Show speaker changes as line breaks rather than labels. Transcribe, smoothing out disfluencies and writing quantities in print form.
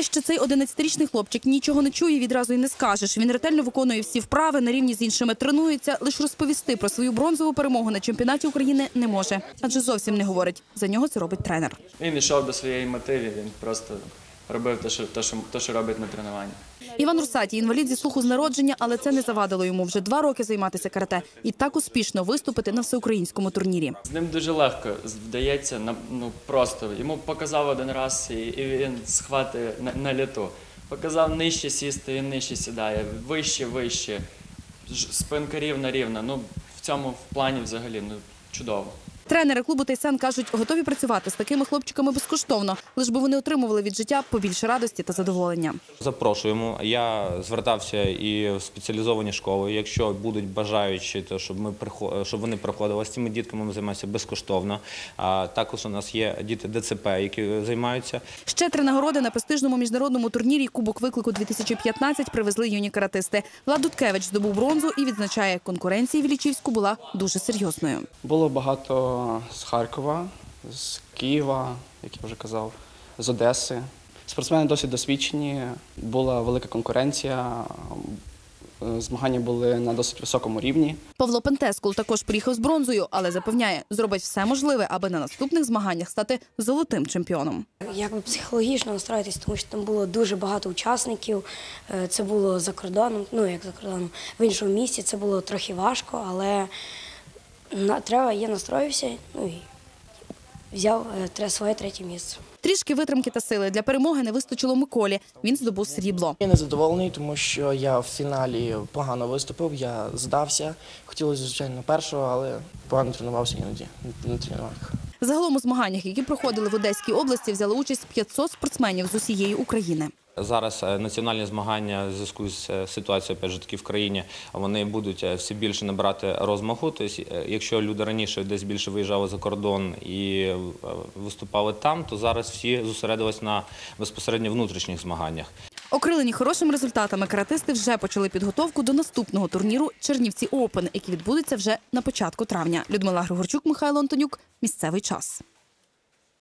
Те, що цей 11-річний хлопчик нічого не чує, відразу й не скажеш. Він ретельно виконує всі вправи, на рівні з іншими тренується. Лише розповісти про свою бронзову перемогу на чемпіонаті України не може. Адже зовсім не говорить. За нього це робить тренер.
Він йшов до своєї мети, він просто робив те, що робить на тренуванні.
Іван Русатій – інвалід зі слуху з народження, але це не завадило йому вже 2 роки займатися карате і так успішно виступити на всеукраїнському турнірі.
З ним дуже легко вдається, просто. Йому показав один раз і він схватить на літу. Показав нижче сісти, він нижче сідає, вище. Спинка рівна. В цьому плані взагалі чудово.
Тренери клубу «Тайсан» кажуть, готові працювати з такими хлопчиками безкоштовно, лиш би вони отримували від життя побільше радості та задоволення.
Запрошуємо. Я звертався і в спеціалізовані школи. Якщо будуть бажаючі, то щоб вони приходили з цими дітками, ми займаємося безкоштовно. Також у нас є діти ДЦП, які займаються.
Ще 3 нагороди на престижному міжнародному турнірі «Кубок виклику-2015» привезли юні каратисти. Влад Дудкевич здобув бронзу і відзначає, конкуренція в Іллічівську була дуже серйозною.
Було багато з Харкова, з Києва, як я вже казав, з Одеси. Спортсмени досить досвідчені, була велика конкуренція, змагання були на досить високому рівні.
Павло Пентескул також приїхав з бронзою, але запевняє, зробить все можливе, аби на наступних змаганнях стати золотим чемпіоном.
Якби психологічно настроїтись, тому що там було дуже багато учасників, це було за кордоном, в іншому місці, це було трохи важко, але я настроївся і взяв своє 3-е місце.
Трішки витримки та сили для перемоги не вистачило Миколі. Він здобув срібло.
Я незадоволений, тому що я в фіналі погано виступив, я здався. Хотілося, звичайно, першого, але погано тренувався іноді на тренуваннях.
Загалом у змаганнях, які проходили в Одеській області, взяли участь 500 спортсменів з усієї України.
Зараз національні змагання в зв'язку з ситуацією в країні, вони будуть все більше набирати розмаху. Тобто, якщо люди раніше десь більше виїжджали за кордон і виступали там, то зараз всі зосередились на безпосередньо внутрішніх змаганнях.
Окрилені хорошими результатами, каратисти вже почали підготовку до наступного турніру «Чернівці Опен», який відбудеться вже на початку травня. Людмила Григорчук, Михайло Антонюк. Місцевий час.